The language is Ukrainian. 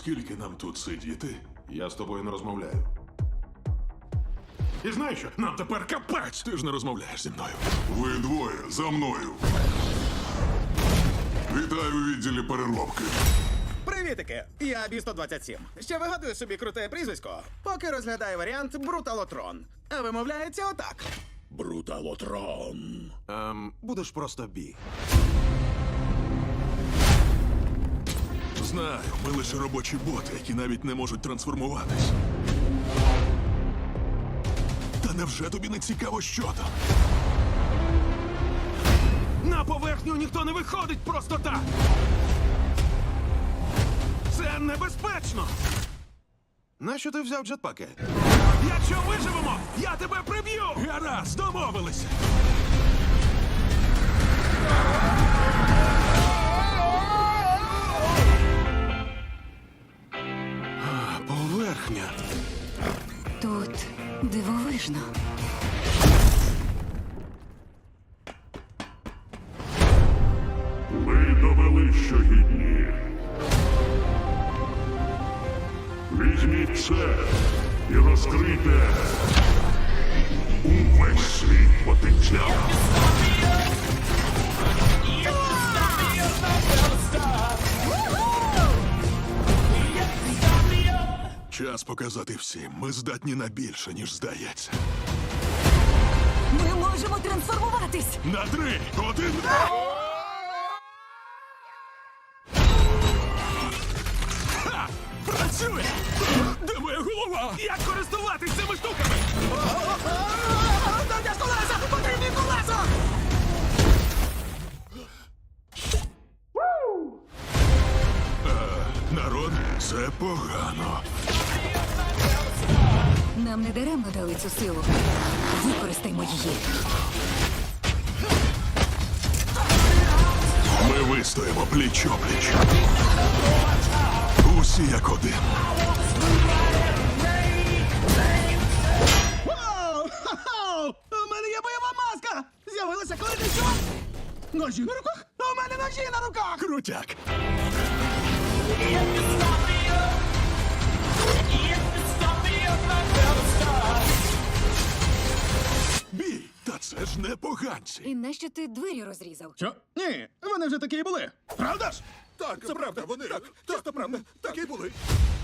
Скільки нам тут сидіти? Я з тобою не розмовляю. І знаєш що? Нам тепер капець! Ти ж не розмовляєш зі мною. Ви двоє за мною. Вітаю у відділі переробки. Привітики! Я Бі-127. Ще вигадую собі круте прізвисько, поки розглядаю варіант Бруталотрон. А вимовляється отак. Бруталотрон. Будеш просто Бі. Знаю, ми лише робочі боти, які навіть не можуть трансформуватись. Та невже тобі не цікаво, що там? На поверхню ніхто не виходить просто так! Це небезпечно! Нащо ти взяв джетпаки? Якщо виживемо, я тебе приб'ю! Гаразд, домовилися! Поверхня. Тут дивовижно. Ви довели, що гідні. Візьміть це і розкрийте увесь свій потенціал. Час показати всім. Ми здатні на більше, ніж здається. Ми можемо трансформуватись! На 3, 1... Ха! Працює! Де моя голова? Як користуватись цими штуками? Дайте ж колеса! Потрібні колеса! Народ, це погано. Нам не даремно дали цю силу. Використаймо її. Ми вистоїмо пліч-опліч. Усі як один. Вау! Ха-ха! У мене є бойова маска! З'явилася, коли ти що? Ножі на руках? У мене ножі на руках! Крутяк. Бій! Та це ж не поганці. І нащо ти двері розрізав? Що? Ні, вони вже такі і були. Правда ж? Так, це правда, вони. Так, правда, такі були.